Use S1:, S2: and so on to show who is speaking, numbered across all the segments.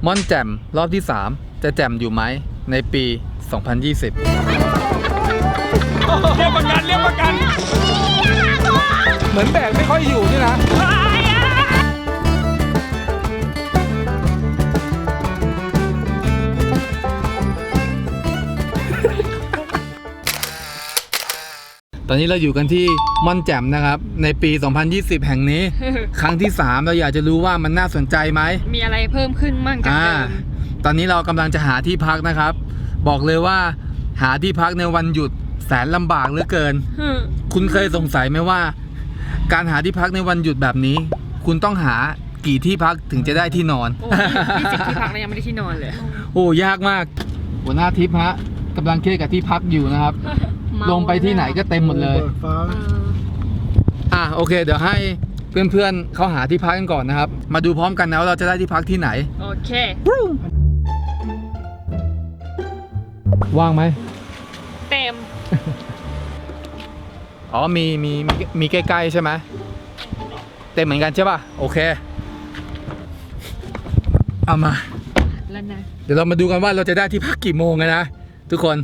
S1: ม่อนแจ่มรอบที่ 3 จะแจ่มอยู่ไหมในปี 2020
S2: เรียกประกัน
S1: เหมือนแบกไม่ค่อยอยู่นี่นะตอนนี้เราอยู่กันที่ม่อนแจ่มนะครับในปี 2020 แห่งนี้ ครั้งที่ 3 เราอยากจะรู้ว่ามันน่าสนใจไหม
S2: มีอะไรเพิ่มขึ้นมั่งจากเดิม
S1: ตอนนี้เรากำลังจะหาที่พักนะครับ บอกเลยว่าหาที่พักในวันหยุดแสนลำบากเหลือเกิน คุณเคยสงสัยไหมว่าการหาที่พักในวันหยุดแบบนี้คุณต้องหากี่ที่พักถึงจะได้ที่นอน
S2: มี10ที่พักแล้วยังไม่ได้ที่นอนเลย
S1: โอ้ยากมากหัวหน้าทิพย์ฮะกำลังเครียดกับที่พักอยู่นะครับลงไปที่ไหนก็เต็มหมดเลยโอเคเดี๋ยวให้เพื่อนๆเขาหาที่พักกันก่อนนะครับมาดูพร้อมกันนะว่าเราจะได้ที่พักที่ไหน
S2: โอเค
S1: ว่างไหม
S2: เต็ม
S1: อ๋อมีใกล้ๆใช่ไหมเต็มเหมือนกันใช่ป่ะโอเคเอามา
S2: แล้วนะ
S1: เดี๋ยวเรามาดูกันว่าเราจะได้ที่พักกี่โมงกันนะทุกคน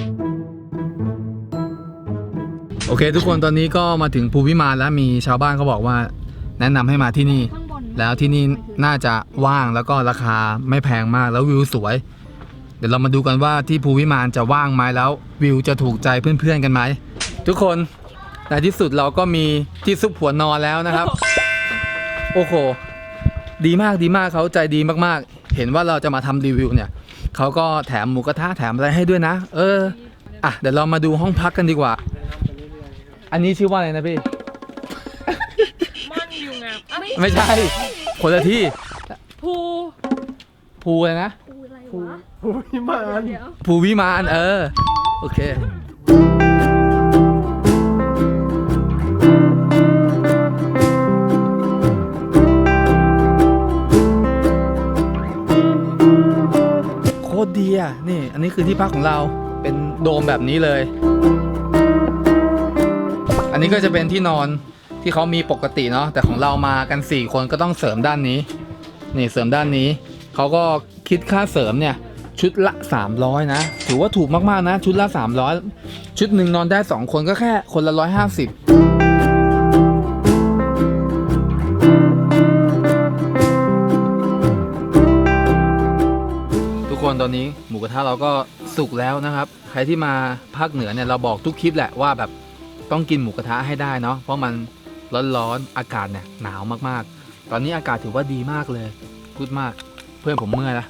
S1: โอเคทุกคนตอนนี้ก็มาถึงภูวิมานแล้วมีชาวบ้านเขาบอกว่าแนะนำให้มาที่นี่แล้วที่นี่น่าจะว่างแล้วก็ราคาไม่แพงมากแล้ววิวสวยเดี๋ยวเรามาดูกันว่าที่ภูวิมานจะว่างไหมแล้ววิวจะถูกใจเพื่อนๆกันไหมทุกคนในที่สุดเราก็มีที่ซุกหัวนอนแล้วนะครับโอ้โหดีมากเขาใจดีมากๆเห็นว่าเราจะมาทำรีวิวเนี่ยเขาก็แถมหมูกระทะแถมอะไรให้ด้วยนะเดี๋ยวเรามาดูห้องพักกันดีกว่าอันนี้ชื่อว่าอะไรนะพี่
S2: ม่อนวิวงาม
S1: ไม่ใช่คนละที่ภูอะไรนะ
S3: ภูวิมาน
S1: โอเคโคตรดีอ่ะนี่อันนี้คือที่พักของเราเป็นโดมแบบนี้เลยอันนี้ก็จะเป็นที่นอนที่เขามีปกติเนาะแต่ของเรามากัน4คนก็ต้องเสริมด้านนี้นี่เสริมด้านนี้เขาก็คิดค่าเสริมเนี่ยชุดละ300นะถือว่าถูกมากๆนะชุดละ300ชุดหนึ่งนอนได้2คนก็แค่คนละ150ทุกคนตอนนี้หมูกระทะเราก็สุกแล้วนะครับใครที่มาภาคเหนือเนี่ยเราบอกทุกคลิปแหละว่าแบบต้องกินหมูกระทะให้ได้เนาะเพราะมันร้อนๆอากาศเนี่ยหนาวมากๆตอนนี้อากาศถือว่าดีมากเลยพูดมากเพื่อนผมเมื่อยแล้ว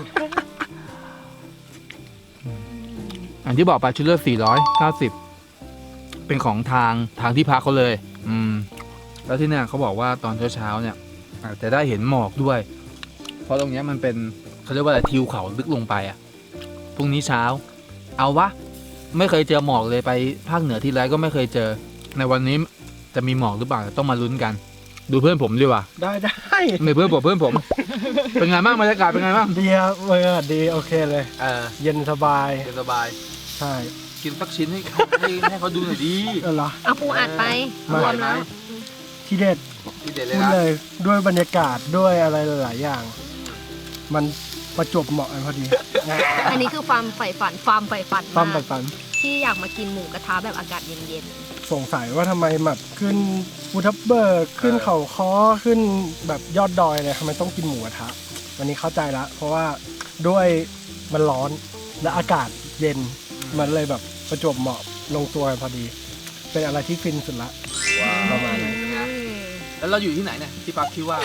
S1: อันที่บอกไปชุดละ490เป็นของทางที่พักเขาเลยแล้วที่เนี่ยเขาบอกว่าตอนเช้าเนี่ยอาจจะได้เห็นหมอกด้วยเพราะตรงนี้มันเป็นเขาเรียกว่าอะไรทิวเขาลึกลงไปพรุ่งนี้เช้าเอาวะไม่เคยเจอหมอกเลยไปภาคเหนือที่ไรก็ไม่เคยเจอในวันนี้จะมีหมอกหรือเปล่าต้องมาลุ้นกันดูเพื่อนผมดีกว่า
S3: ได้
S1: ไม่เพื่อนผมเป็นไงบ้างบรรยากาศเป็นไงบ้าง
S3: ดีครับบรรยากาศดีโอเคเลยเย็นสบายใช่
S1: กินสักชิ้นให้เขาดูหน่อยดี
S3: เหรอ
S2: เอาปูอัดไป
S1: รวมแล้ว
S3: ที่เด็ดเลยนะเลยด้วยบรรยากาศด้วยอะไรหลายอย่างมันประจวบเหมาะกันพอดี
S2: อันนี้คือความใฝ่ฝันที่อยากมากินหมูกระทะแบบอากาศเย็น
S3: ๆสงสัยว่าทำไมแบบขึ้นภูทับเบิกขึ้นเขาค้อขึ้นแบบยอดดอยเลยทำไมต้องกินหมูกระทะวันนี้เข้าใจละเพราะว่าด้วยมันร้อนและอากาศเย็นมันเลยแบบประจวบเหมาะลงตัวกันพอดีเป็นอะไรที่ฟินสุดละประมาณนี้
S1: แล้วเราอยู่ที่ไหนเนี่ยที่พักชื่อว่า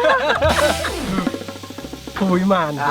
S3: ภูวิมาน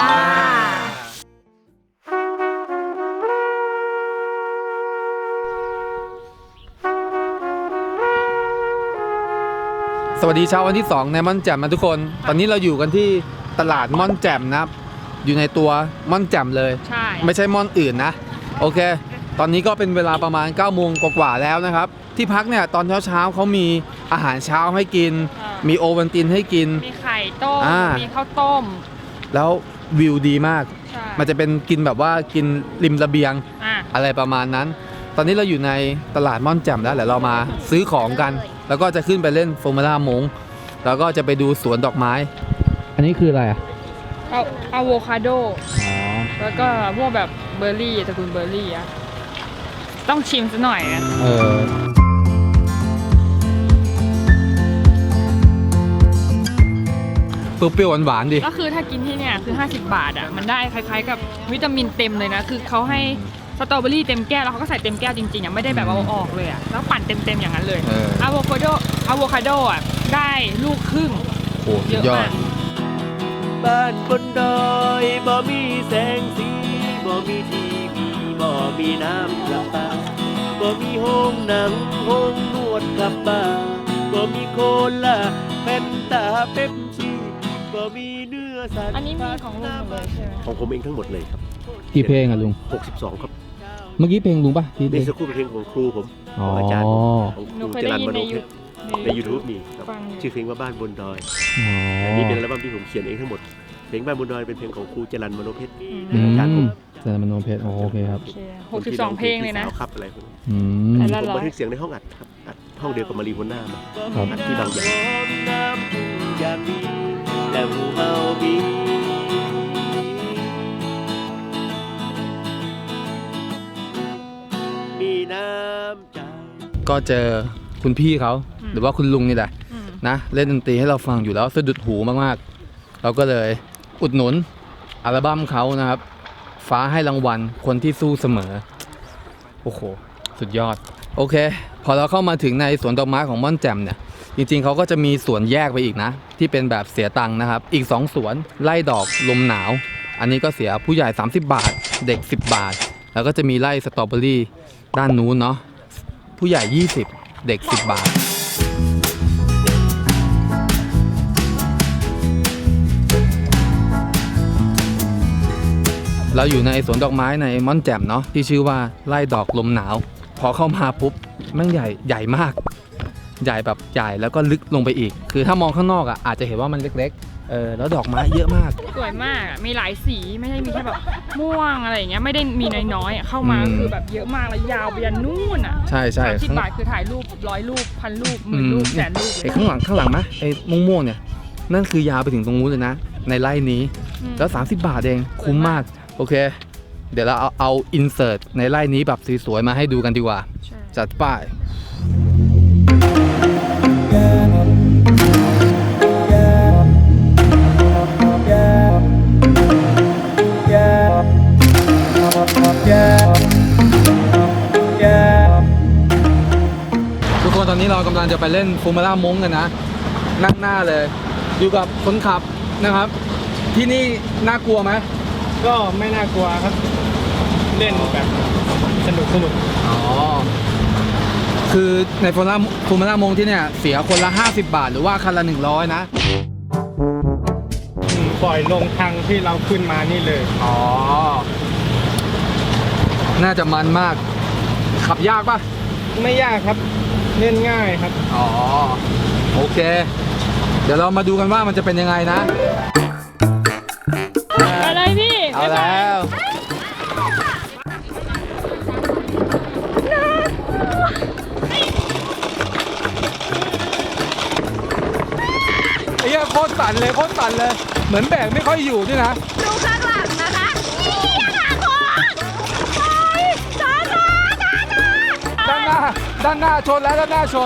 S1: สวัสดีเช้าวันที่2ในม่อนแจ่มนะทุกคนตอนนี้เราอยู่กันที่ตลาดม่อนแจ่มนะครับอยู่ในตัวม่อนแจ่มเลย
S2: ใช่
S1: ไม่ใช่ม่อนอื่นนะโอเคตอนนี้ก็เป็นเวลาประมาณ 9 โมงกว่าแล้วนะครับที่พักเนี่ยตอนเช้าเขามีอาหารเช้าให้กินมีโอวัลตินให้กิน
S2: มีไข่ต้มมีข้าวต้ม
S1: แล้ววิวดีมากมันจะเป็นกินแบบว่ากินริมระเบียงอะไรประมาณนั้นตอนนี้เราอยู่ในตลาดม่อนแจ่มแล้วเดี๋ยวเรามาซื้อของกันแล้วก็จะขึ้นไปเล่นฟอร์มูล่ามงแล้วก็จะไปดูสวนดอกไม้อันนี้คืออะไร
S4: อะโวคาโด
S1: อ๋อ
S4: แล้วก็พวกแบบเบอร์รี่ตระกูลเบอร์รี่อะต้องชิมซะหน่อยนะ
S1: เออเปรี้ยวๆหวานๆดิ
S4: ก็คือถ้ากินที่เนี่ยคือ50 บาทอ่ะมันได้คล้ายๆกับวิตามินเต็มเลยนะคือเขาให้สตรอเบอรี่เต็มแก้วแล้วเขาก็ใส่เต็มแก้วจริงๆอ่ะไม่ได้แบบเอาออกเลยอ่ะแล้วปั่นเต็มๆอย่างนั้นเลย
S1: เออ
S4: อะโวคาโดอ่ะได้ลูกครึ่ง
S1: โอ้สุ
S4: เย
S1: ด
S4: อะ
S1: ยอ
S4: มา
S1: ด
S4: ก
S5: บ้านบนดอยบ่มีแสงสีบ่มีทีวีบ่มีน้ำประปาบ่มีห้องหนังห้องนวดกับบ้าบ่มีโคลาเป็นตาเป๊ปซี่บ่มีเนื้อสัตว์
S4: อันนี้มีของลุงหมดเลยใช่ไหม
S5: ของผมเองทั้งหมดเลยครับ
S1: กี่เพลงอ่ะลุง
S5: 62 ครับ
S1: เมื่อกี้เพลงลุงป่ะที่
S5: นี่สักครู่เป็นเพลงของครูผม
S1: อ๋อ
S5: ของอาจารย์ของ
S4: ห
S5: ค
S4: นู
S5: รู
S4: เคย
S5: จ
S4: ได้
S5: รัญ
S4: ยิ
S5: ม
S4: น
S5: โน
S4: ใน
S5: เพชรใน YouTube มีครับ
S4: ฟังอยู่
S5: ชื่อเพลงว่าบ้านบนดอย
S1: อ๋อ
S5: อันนี้เป็นอัลบั้มที่ผมเขียนเองทั้งหมดเพลงบ้านบนดอยเป็นเพลงของครูจรัญมโนเพชร
S1: อื
S5: อาจารย์ผม
S1: มแต่มโนเพชรโอเคครับ
S4: โอเค62 เพลงเลยนะ
S5: สาวครับอะไรพวกนี้
S1: อืม
S4: แต่
S5: ผ
S4: ละ
S5: มบันทึกเสียงในห้องอัดครับอัดห้องเดียวกับมารีโฮน่ามา
S1: ครับ
S5: อัดที่บางใหญ่น้ำพึ่งอย่างดีแต่หมู่เฮามีมีน้ำใจ
S1: ก็เจอคุณพี่เขา
S4: อืม
S1: หรือว่าคุณลุงนี่แหละ
S4: อืม
S1: นะเล่นดนตรีให้เราฟังอยู่แล้วสะดุดหูมากๆ เราก็เลยอุดหนุนอัลบั้มเขานะครับ ฟ้าให้รางวัลคนที่สู้เสมอ โอ้โห สุดยอด โอเค พอเราเข้ามาถึงในสวนดอกไม้ของม่อนแจ่มเนี่ย จริงๆเขาก็จะมีสวนแยกไปอีกนะ ที่เป็นแบบเสียตังค์นะครับ อีก 2 สวนไล่ดอกลมหนาว อันนี้ก็เสียผู้ใหญ่ 30 บาท เด็ก 10 บาท แล้วก็จะมีไล่สตรอเบอรี่ด้านนู้นเนาะผู้ใหญ่ 20 เด็ก 10 บาท เราอยู่ในสวนดอกไม้ในม่อนแจ่มเนาะที่ชื่อว่าไร่ดอกลมหนาว พอเข้ามาปุ๊บแม่งใหญ่มาก ใหญ่แบบใหญ่แล้วก็ลึกลงไปอีก คือถ้ามองข้างนอกอ่ะอาจจะเห็นว่ามันเล็กๆแล้วดอกไม้เยอะมาก
S4: สวยมากอะมีหลายสีไม่ใช่มีแค่แบบม่วงอะไรอย่างเงี้ยไม่ได้มีน้อยๆอะเข้ามา
S1: อืม
S4: คือแบบเยอะมากแล้วยาวไปยันนู่นอ่ะ
S1: ใช่
S4: 30 บาทคือถ่ายรูป100 รูป1,000 รูป10,000 รูปแสนรูปเล
S1: ไอ้
S4: ย
S1: ข้างหลังไหมไอ้ม่วงๆเนี่ยนั่นคือยาวไปถึงตรงนู้นเลยนะ ในไร่นี้
S4: อืม
S1: แล้ว 30 บาทเองคุ้มมาก โอเค เดี๋ยวเราเอาอินเสิร์ตในไร่นี้แบบสวยๆมาให้ดูกันดีกว่า
S4: ใช่
S1: จัดป้าย ทุกคนตอนนี้เรากำลังจะไปเล่นฟูมาล่ามงกันนะ นั่งหน้าเลย อยู่กับคนขับนะครับ ที่นี่น่ากลัวไหม
S3: ก็ไม่น่ากลัวครับ เล่นแบบสนุก
S1: อ๋อ คือในฟูมาล่ามงที่เนี่ยเสียคนละ 50 บาท หรือว่าคันละ 100 นะ
S3: ปล่อยลงทางที่เราขึ้นมานี่เลย
S1: อ๋อ น่าจะมันมาก ขับยากปะ
S3: ไม่ยากครับ เล่นง่ายครับ
S1: อ๋อ โอเค เดี๋ยวเรามาดูกันว่ามันจะเป็นยังไงนะ
S4: ไปเลยพี่
S1: เอาแล้ว ไอ้เหี้ยโคตรสั่นเลย เหมือนแบกไม่ค่อยอยู่ด้วยนะ
S2: ดูข้างหลังนะคะนี่ค่ะคนช้า
S1: ด้านหน้าชนแล้วด้านหน้าชน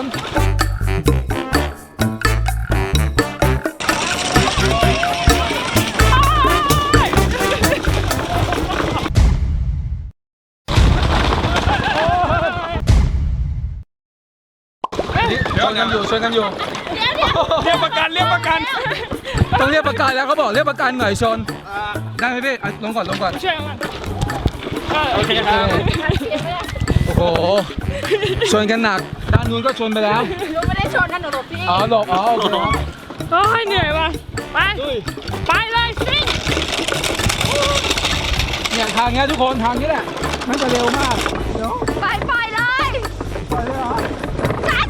S1: ชนกันอยู่
S4: เรียกประกัน
S1: ต้องเรียกประกันแล้วเขาบอกเรียกประกันหน่อยชน ได้ไหมพี่เอาลงก่อน
S4: ช่วยกันโอเคครับ
S1: โอ้โห ชนกันหนัก ด้านนู้นก็ชนไปแล้ว
S2: หนูไม่ได้ชนนะหนูหลบพี่
S1: อ๋อหลบอ๋อโอเคครับ
S4: โอ้ยเหนื่อยว่ะไปเลยซิ่ง
S1: เนี่ยทางเนี้ยทุกคนทางนี้แหละ มันจะเร็วมาก เดี๋ยว
S2: ไปเลย
S1: ไปเลยเหรอ
S2: ช้า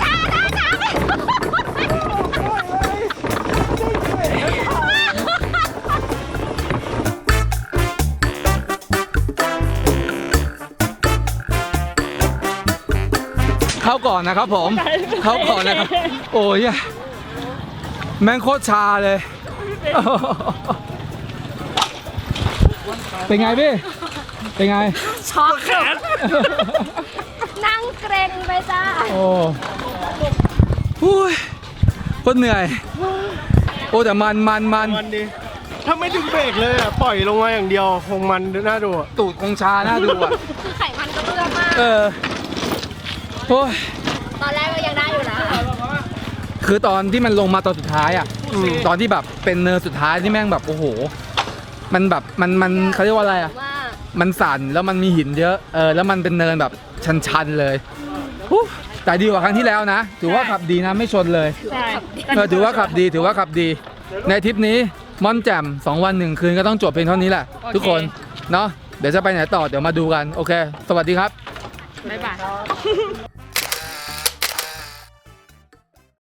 S1: เข้าก่อนนะครับผม เข้าก่อนนะครับ โอ้ยแม่งโคตรชาเลยเป็นไงพี่ เป็นไง
S2: ช็อกนั่งเกรงไปจ้า
S1: โอ้หุ้ยโคตรเหนื่อย โอ้แต่มัน
S3: ดีถ้าไม่ถึงเบรกเลยอ่ะปล่อยลงมาอย่างเดียวคงมันน่าดูอะ
S1: ตูดคงชาน่าดูอ่ะ
S2: คือไขมันก็เลือกมาก
S1: โอ้ย
S2: ตอนแรกก็ยังได้อยู่นะ
S1: คือตอนที่มันลงมาตอนสุดท้ายอ่ะ ตอนที่แบบเป็นเนินสุดท้ายที่แม่งแบบโอ้โห มันแบบมันเขาเรียกว่าอะไรอ่ะ
S2: ว่า
S1: มันสั่นแล้วมันมีหินเยอะ แล้วมันเป็นเนินแบบชันๆเลยฮู้แต่ดีกว่าครั้งที่แล้วนะ ถือว่าขับดีนะไม่ชนเลย
S4: ใช่
S1: ถือว่าขับดี ในทริปนี้ม่อนแจ่ม2 วัน 1 คืนก็ต้องจบเพียงเท่านี้แหละ ทุกคน เนาะ เดี๋ยวจะไปไหนต่อ เดี๋ยวมาดูกัน โอเค สวัสดีครับ
S4: บ๊ายบาย